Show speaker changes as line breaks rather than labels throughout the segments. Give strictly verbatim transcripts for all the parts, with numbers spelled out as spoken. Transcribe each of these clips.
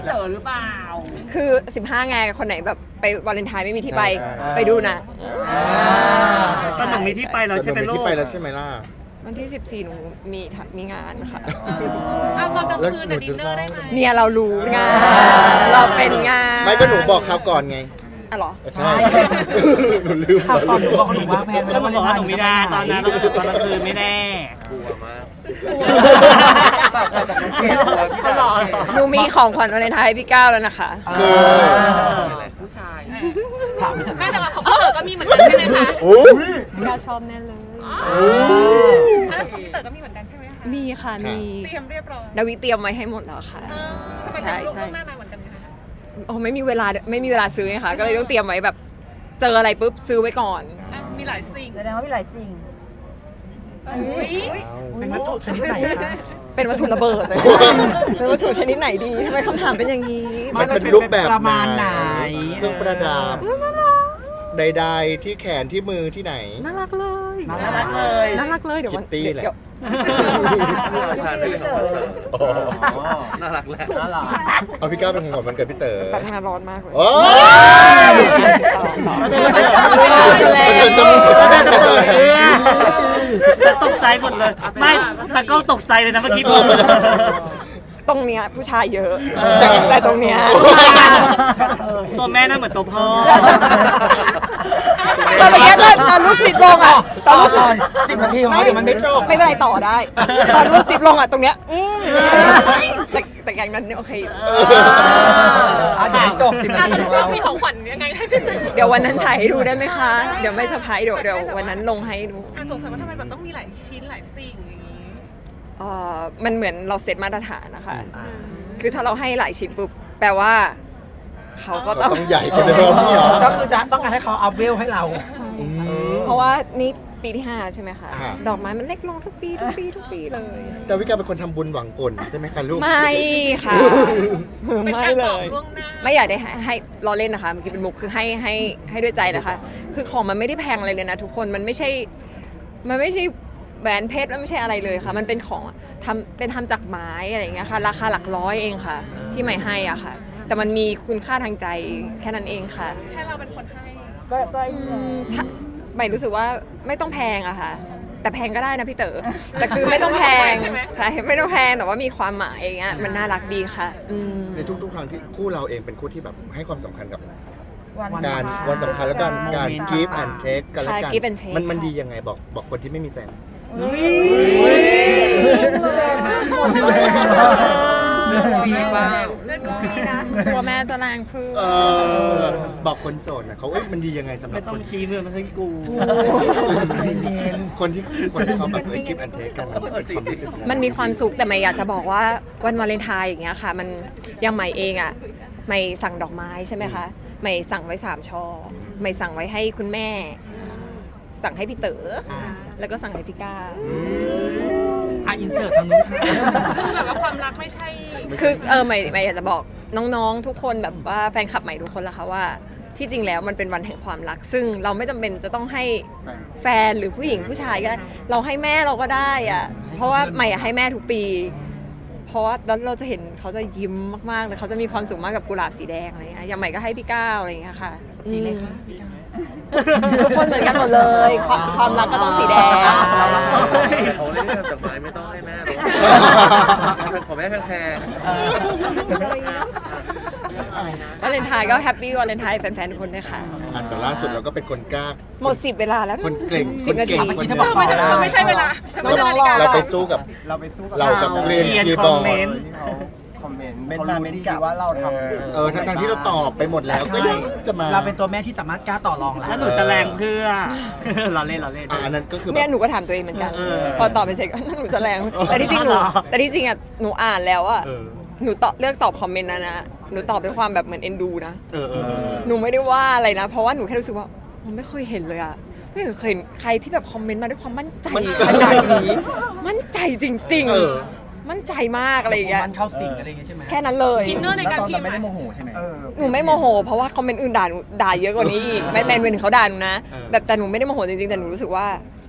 เต๋อหรือเปล่า
คือสิบห้าไงคนไหนแบบไปวาเลนไทน์ไม่มีที่ไปไปดูนะ
ตอนหนึ่งมีที่ไปแล้วใช่ไหมลูก
ที่ไปแล้วใช่ไหมล่ะ
วันที่สิบสี่หนูมีมีงานค่ะ
เอาตอนกลางคืนน่ะดินเนอร์ได้ไหม
เนี่ยเรารู้งานเราเป็นงาน
ไม่ก็หนูบอกเขาก่อนไง
อ๋อเหรอ
ใช่หนูลืม
ข่าวก่อนหนูบอกหนูวางแผนไว้แล้ววันนี้
หนูไม่ได้ตอนนั้นตอนกลางคืนไม่แน่
กลัวมาก
หนูมีของขวัญวาเลนไทน์ให้พี่ก้าวแล้วนะคะ
คือ
ผู้ชาย
แม่แต่ว่าของพี่เต๋อก็มีเหมือนกันใช่ไหมคะ
พี่ก้าวชอบแน่เลย
แล้วของพี่เต๋อก็มีเหมือนกันใช่ไหมคะ
มีค่ะมี
เตรียมเรียบร้อย
ดาวิเตรียมไว้ให้หมดแล้วค่ะ
ใช่ใช่หน้ามาเหมือนกันคะ
โอ้ไม่มีเวลาไม่มีเวลาซื้อไงค่ะก็เลยต้องเตรียมไว้แบบเจออะไรปุ๊บซื้อไว้ก่อน
มีหลายสิ่ง
แสดงว่ามีหลายสิ่ง
เป็นวัตถุชนิดไหนคะ
เป็นวัตถุระเบิดเลยเป็นวัตถุชนิดไหนดีทำไมคำถามเป็นอย่างนี้
มันเป็นรูปแบบ
ประมาณไหน
เครื่องประดับใดๆที่แขนที่มือที่ไหน
น่ารักเลย
น่ารักเลย
น่ารักเลยเดี๋ยววัน
เดี๋ยว
ชาด้วยน่ารักแหละน่ารัก
เอาพี่ก้าวเป็นของขวัญวันเกิดพี่เต๋อ
แบบงานร้อนมากเลย
โอ้
จะตกใจหมดเลยไม่แต่ก็ตกใจเลยนะเมื่อกี้พูด
ตรงเนี้ยผู้ชายเยอะแต่ตรงเนี้ย
ตัวแม่น่าเหมือนตัวพ่อ
ตอนเมื่อกี้ตอนรูดซิปลงอ่ะ
ตอนตอนสิบนาทีของเราเดี๋ยวมันไม่จบ
ไม่เป็นไรต่อได้ตอนรูดซิปลงอ่ะตรงเนี้ยแต่แต่อย่างนั้นโอเค
อ่ะเดี๋ยวไม่จบสิบนาทีของเรา
มีของขวัญยังไงให้พี่เต๋อ
เดี๋ยววันนั้นถ่ายให้ดูได้ไหมคะเดี๋ยวไม่เซอร์ไพรส์เดี๋ยวเดี๋ยววันนั้นลงให้ดู
อ่ะสงสัยว่าทำไมแบบต้องมีหลายชิ้นหลายสิ่งอย่างนี้
เอ่อมันเหมือนเราเซตมาตรฐานนะคะคือถ้าเราให้หลายชิ้นปุ๊บแปลว่าเขาก็ต้อง
ใหญ่กว่าเดิมนี่หรอ
ก็คือจะต้องการให้เขาอัพเวลให้เรา
เพราะว่านี่ปีที่ห้าใช่ไหมคะดอกไม้มันเล็กลงทุกปีทุกปีทุกปีเลย
แต่วิกาเป็นคนทำบุญหวังผลใช่ไหมคะลูก
ไม่ค่ะไม่เลยไม่อยากได้ให้รอเล่นนะคะเมื่อกี้เป็นมุกคือให้ให้ให้ด้วยใจนะคะคือของมันไม่ได้แพงอะไรเลยนะทุกคนมันไม่ใช่มันไม่ใช่แหวนเพชรมันไม่ใช่อะไรเลยค่ะมันเป็นของทำเป็นทำจากไม้อะไรอย่างเงี้ยค่ะราคาหลักร้อยเองค่ะที่ใหม่ให้อ่ะค่ะแต่มันมีคุณค่าทางใจแค่นั้นเองค่ะ
แค่เราเป็นคนให้
ก็ก็ใหม่รู้สึกว่าไม่ต้องแพงอะค่ะแต่แพงก็ได้นะพี่เต๋อแต่คือไม่ต้องแพงใช่ไม่ต้องแพงแต่ว่ามีความหมายอย่างเงี้ยมันน่ารักดีค่ะ
ในทุกๆครั้งที่คู่เราเองเป็นคู่ที่แบบให้ความสำคัญกับ
วัน
การวันสำคัญแล้วกันการ give and take กันแล้วกันมันมันดียังไงบอกบอกคนที่ไม่มีแฟน
ดีมากเล่นก็ดีนะตัวแม่จะแรงพึ่ง
บอกคนโสดนะเขาเอ้ยมันดียังไงสำหรับ
ไม่ต้องชี้มือมันให้กู
คนที่คนที่เขาแบบเอ้ย give and take กัน
มันมีความสุขแต่ไม่อยากจะบอกว่าวันวาเลนไทน์อย่างเงี้ยค่ะมันยังใหม่เองอ่ะไม่สั่งดอกไม้ใช่ไหมคะไม่สั่งไว้สามช่อไม่สั่งไว้ให้คุณแม่สั่งให้พี่เต๋อแล้วก็สั่งให้พี่ก้า
อ่ะอินเสิร์ตทางนู้น
แบบว่าความรักไม่ใช่
คือเออใหม่ใหม่อยากจะบอกน้องๆทุกคนแบบว่าแฟนคลับใหม่ทุกคนละค่ะว่าที่จริงแล้วมันเป็นวันแห่งความรักซึ่งเราไม่จำเป็นจะต้องให้แฟนหรือผู้หญิงผู้ชายก็เราให้แม่เราก็ได้อะเพราะว่าใหม่อยากให้แม่ทุกปีเพราะว่าแล้วเราจะเห็นเขาจะยิ้มมากๆเลยเขาจะมีความสุขมากกับกุหลาบสีแดงอะไรเงี้ยอย่างใหม่ก็ให้พี่ก้าวอะไรเงี้ยค่ะ
สีเลยค่ะพี่ก้าว
ทุกคนเหมือนกันหมดเลยความรักก็ต้องสีแดง
เขาเล่นจากไม้ไม่ต้องให้แม่หรอกขอแม่แพง
วาเลนไทน์ก็แฮปปี้วาเลนไทน์แฟนๆทุกคนด้วยค่ะ
อันแต่ล่าสุดเราก็เป็นคนกล้า
หมดสิบเวลาแล้ว
คนเก่ง
สิบนาที
เมื่อกี้เธอบอกต่อได้
ไม่ใช่เวลา
เราไปสู้กับ
เราไปสู้กับ
เรากับเกรียนคีย์บอร์ด
ที่เขาคอมเมนต์เขารู้ดีว่าเราทำ
เออทั้งที่เราตอบไปหมดแล้วก็ยังจะมา
เราเป็นตัวแม่ที่สามารถกล้าต่อรอง
แล้วหนูจะแรงเพื่อเราเล่นเราเล่น
อันนั้นก็คือ
เนี่ยหนูก็ถามตัวเองเหมือนกันพอตอบไปเสร็จก็หนูจะแรงแต่ที่จริงหนูแต่ที่จริงอ่ะหนูอ่านแล้วอ่ะหนูตอบเลือกตอบคอมเมนต์นะนะหนูตอบด้วยความแบบเหมือนเอ็นดูนะหนูไม่ได้ว่าอะไรนะเพราะว่าหนูแค่รู้สึกว่ามันไม่เคยเห็นเลยอ่ะไม่เคยเห็นใครที่แบบคอมเมนต์มาด้วยความมั่นใจขนาดนี้มั่นใจจริงๆมั่นใจมากอะไรอย่างเงี้ย
มันเข้าสิงอะไรอย่างเงี้ยใช่ไหม
แค่นั้นเลย
อินเนอร์ในการพิมพ์
ไม่ได้โมโหใช่ไหม
หนูไม่โมโหเพราะว่าคอมเมนต์อื่นด่าหนูด่าเยอะกว่านี้อีกแม้แต่เป็นเขาด่าหนูนะแบบแต่หนูไม่ได้โมโหจริงๆแต่หนูรู้สึกว่า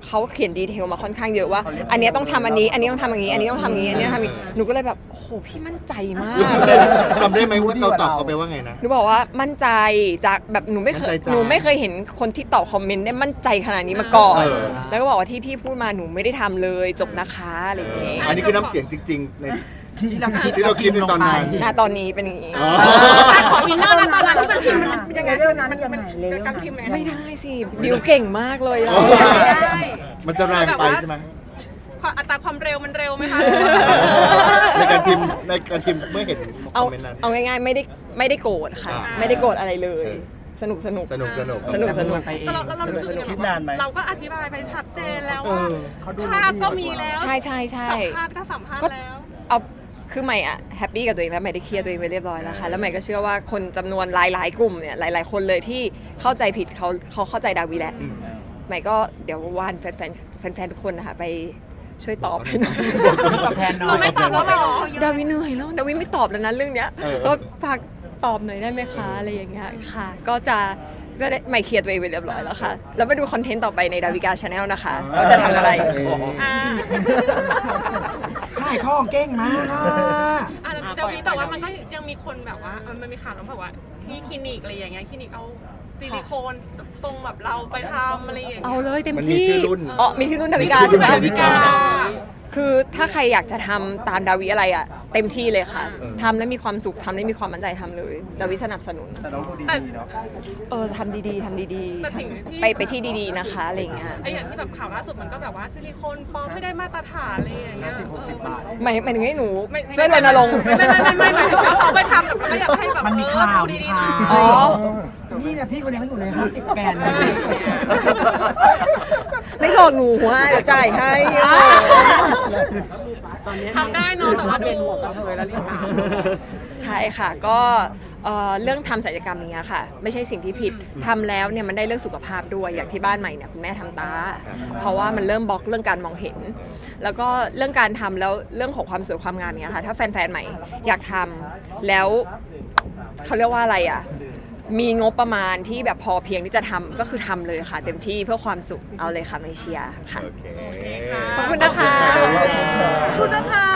เขาเขียนดีเทลมาค่อนข้างเยอะว่า อันเนี้ยต้องทำอันนี้ อันนี้ต้องทำอย่างนี้ อันนี้ต้องทำอย่างนี้ อันนี้ต้องทำอย่างนี้หนูก็เลยแบบโอ้โหพี่มั่นใจมากเลย
จำได้ไหมว่าเราตอบเขาไปว่าไงนะ
หนูบอกว่ามั่นใจจากแบบหนูไม่เคย
มั่นใจจ้ะ
หนูไม่เคยเห็นคนที่ตอบคอมเมนต์ได้มั่นใจขนาดนี้มาก่อน
เออ
แล้วก็บอกว่าที่พี่พูดมาหนูไม่ได้ทำเลยจบนะคะอะไรอย่างเงี้ย
อันนี้คือน้ำเสียงจริงๆใน
ที่เราคิด
ที่เราคิดในตอนนั้น
ณตอนนี้เป็นอย่างนี้
อ๋อ
ขอวินเนอร์นะตอนนั้นที่มันพิมพ์มันเป็นยังไงเรื่องนั้นยังไงเลยการพิมพ์ยังไง
ไม่ได้สิบิวเก่งมากเลยอะ
ไม่ได้
มันจะแรงไปใช่ไหม
ความอัตราความเร็วมันเร็วไหมคะ
ในการพิมพ์ในการพิมพ์เมื่อเห็นค
เอา
อมเมนต์นั้น
เอาง่ายๆไม่ได้ไม่ได้โกรธค่ะ
อ่า
ไม่ได้โกรธอะไรเลย
เออ
สนุกสนุก
สนุกสนุก
สนุกสนุก
ไปเอง
แล้วเราเรารู้สึกยังไงว่าเราก็อธิบายไปชัดเจนแล้ว
เอ
ว่า
อ
เขาดู
ภาพก็มีแล้ว
ใช่ใช่ใช่
สัมภาษณ์ก็สัมภาษ
ก็
ณ์แล้ว
เอาคือใหม่อะแฮปปี้กับตัวเองแล้วใหม่ได้เคลียร์ตัวเองไปเรียบร้อยแล้วค่ะแล้วใหม่ก็เชื่อว่าคนจำนวนหลายๆกลุ่มเนี่ยหลาย ๆ คนเลยที่เข้าใจผิดเขาเขาเข้าใจดาวีแล้วใหม่ก็เดี๋ยววานแฟนๆแฟนๆทุกคนนะคะไปช่วยตอบให้หน่อย
ตอบแทนหน่
เรา
อย
ไม่ตอบแล้วเหรอ
ดาวิเหนื่อยแล้วดาวิไม่ตอบแล้วนะเรื่องเนี้ย
เออ
ก็ฝากตอบหน่อยได้ไหมคะอะไรอย่างเงี้ยค่ะ ก็จะก็ได้ไม่เคลียร์ตัวเองไปเรียบร้อยแล้วค่ะ แล้วมาดูคอนเทนต์ต่อไปในดาวิกาชาแนลนะคะว่าจะทำอะไร
อ่า
ขายของเก่งมากอ่ะ
อ่ะเดี๋ยวนี้แต่ว่ามันก็ยังมีคนแบบว่าเออมันมีข่าวแล้วแบบว่าที่คลินิกอะไรอย่างเงี้ยคลินิกเอาซิลิโคนตรงแบบเราไปทำอะไรอย่างเงี้ย
เอาเลยเต็ม
มันมี
ที่
ชื่อรุ่น
อ๋อมีชื่อรุ่นดาวิกา
มีชื่
ใช่
อ
ไห
รุ่
ม
นดาวิกา
คือถ้าใครอยากจะทำตามดาวิอะไรอ่ะเต็มที่เลยค่ะ
เออ
ทำแล้วมีความสุขทำแล้วมีความมั่นใจทำเลยดาวิสนับสนุน
แต่น้องดูดีๆเนาะ
เออทำดีๆทำดี
แต่สิ่งที่
ๆ ไปไปที่ดีๆนะคะอะไรอย่างเงี้ย
ไออย่างที่แบบข่าวล่าสุดมันก็แบบว่าซิลิโคนปลอมไม่ได้มาตรฐานอะไรอย่างเงี้ย
สิบหกสิบบาท
หมายหมายถึงให้หนู
ไม่
ช่วยรณรงค์
ไม่ไม่ไม่ไม่หมายถึงว่าเขาไปทำแบบก็อยากให้แบบ
มันมีข่าว
เออ
มี
ดี
ข่าว
อ๋อ
นี่เนี่ยพี่คนนี้เขาอยู่ในห้าสิบแกนเลย
ไม่หลอกหนูหัวเดี๋ยวจ่ายให้
ทำได้เนอะแต่ว่าดู
ใช่ค่ะก็เอ่อเรื่องทำศัลยกรรมอย่างเงี้ยค่ะ ไม่ใช่สิ่งที่ผิดทำแล้วเนี่ยมันได้เรื่องสุขภาพด้วยอย่างที่บ้านใหม่เนี่ยคุณแม่ทำตา เพราะว่ามันเริ่มบล็อกเรื่องการมองเห็น แล้วก็เรื่องการทำแล้วเรื่องของความสวยความงามอย่างเงี้ยค่ะถ้าแฟนๆใหม่อยากทำแล้วเขาเรียกว่าอะไรอ่ะมีงบประมาณที่แบบพอเพียงที่จะทำก็คือทำเลยค่ะ เต็มที่เพื่อความสุขเอาเลยค่ะไม่เชียร์ค่ะ
โอเค
ขอบคุณนะคะ
ขอบคุณค่ะ
ขอบคุณนะคะ